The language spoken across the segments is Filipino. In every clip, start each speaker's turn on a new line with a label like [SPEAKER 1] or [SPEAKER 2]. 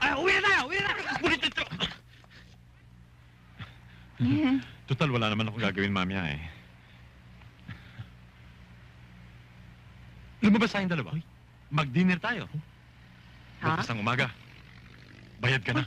[SPEAKER 1] Ay, uwi na tayo! Uwi na tayo!
[SPEAKER 2] Ngunit ito! Total, wala naman akong gagawin mamaya eh. Lumabas tayong dalawa. Mag-dinner tayo.
[SPEAKER 3] Ha?
[SPEAKER 2] Bukas ng umaga. Bayad ka na.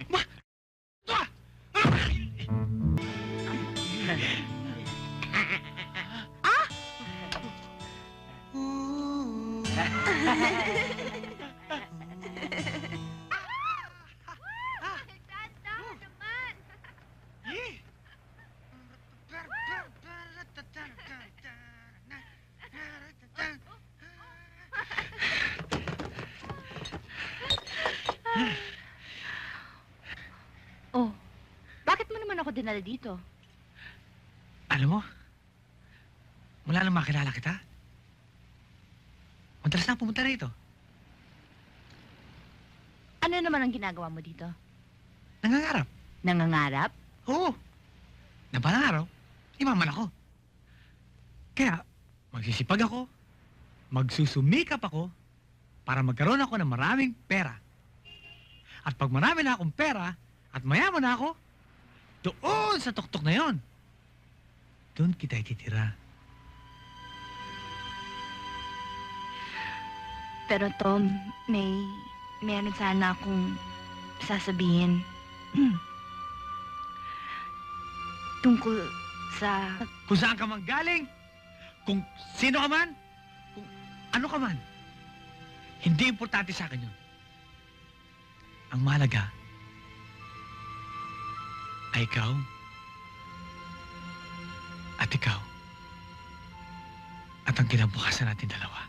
[SPEAKER 3] Oh, bakit mo naman ako dinala dito?
[SPEAKER 1] Alam mo, mula nang makilala kita, madalas na pumunta rito.
[SPEAKER 3] Ano naman ang ginagawa mo dito?
[SPEAKER 1] Nangangarap.
[SPEAKER 3] Nangangarap?
[SPEAKER 1] Oo. Na balang araw, imaman ako. Kaya, magsisipag ako, magsusumikap ako, para magkaroon ako ng maraming pera. At pag marami na akong pera, at mayaman na ako, doon sa tuktok na yon, doon kita ititira.
[SPEAKER 3] Pero Tom, meron sana akong sasabihin. Tungkol sa...
[SPEAKER 1] Kung saan ka man galing, kung sino ka man, kung ano ka man, hindi importante sa akin yun. Ang mahalaga ay ikaw at ikaw at ang kinabukasan natin dalawa.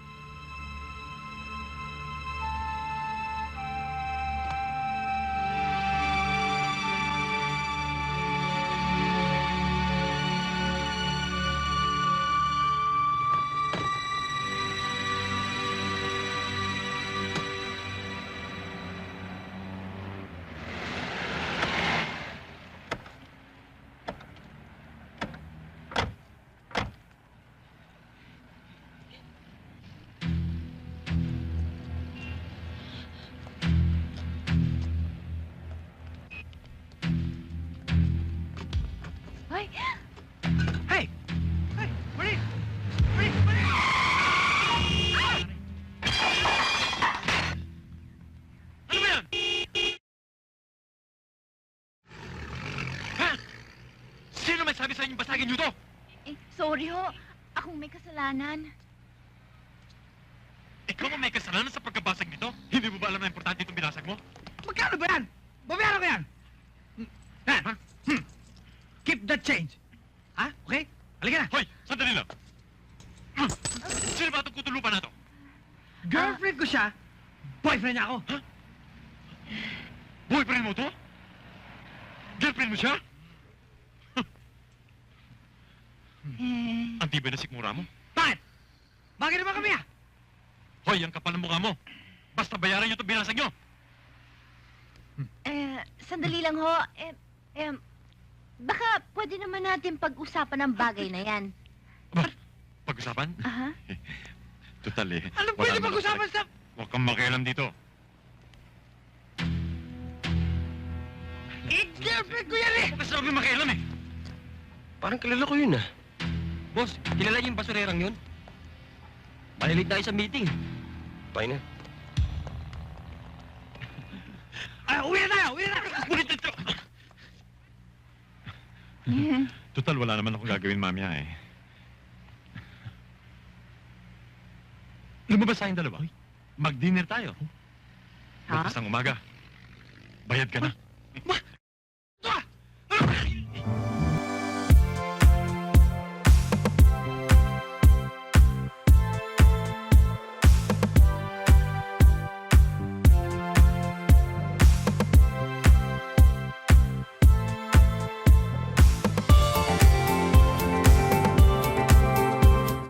[SPEAKER 3] Ay!
[SPEAKER 1] Hey! Hey! Marie! Marie! Marie!
[SPEAKER 2] Ano ba yan? Ha? Sino may sabi sa inyong basagin niyo to?
[SPEAKER 3] Sorry ho. Akong may kasalanan.
[SPEAKER 2] Ikaw ang may kasalanan sa pagkabasag nito? Hindi mo ba alam na importante itong binasag mo?
[SPEAKER 1] Magkano ba yan? Babayaran ko yan! Yan, ha? Keep that change. Ha? Okay? Halika na.
[SPEAKER 2] Hoy! Sandali lang! Sino ba itong kutulupan na to?
[SPEAKER 1] Girlfriend ko siya. Boyfriend niya ako.
[SPEAKER 2] Boyfriend mo to? Girlfriend mo siya? Ang tibay na sikmura mo.
[SPEAKER 1] Bakit? Bakit naman kami ah?
[SPEAKER 2] Hoy, ang kapal ng mukha mo. Basta bayaran niyo itong binasag niyo.
[SPEAKER 3] Sandali lang ho. Baka pwede naman natin pag-usapan ang bagay na yan.
[SPEAKER 2] Aba, pag-usapan?
[SPEAKER 3] Aha.
[SPEAKER 2] Total eh.
[SPEAKER 1] Ano
[SPEAKER 2] wala
[SPEAKER 1] pwede
[SPEAKER 2] naman
[SPEAKER 1] pag-usapan
[SPEAKER 2] ako
[SPEAKER 1] sa...
[SPEAKER 2] Huwag kang makialam dito.
[SPEAKER 1] Girlfriend ko yan eh!
[SPEAKER 2] Huwag ka sabi makialam eh.
[SPEAKER 4] Parang kilala ko yun ah. Boss, kilala niyo yung basurerang yun? Malilit tayo sa meeting. Fine na.
[SPEAKER 1] Ay, uwi na tayo! Uwi na tayo!
[SPEAKER 2] Ngunit ito! Total, wala naman akong gagawin mamaya eh. Lumabas tayong dalawa. Mag-dinner tayo.
[SPEAKER 3] Ha?
[SPEAKER 2] Bukas ng umaga. Bayad ka na.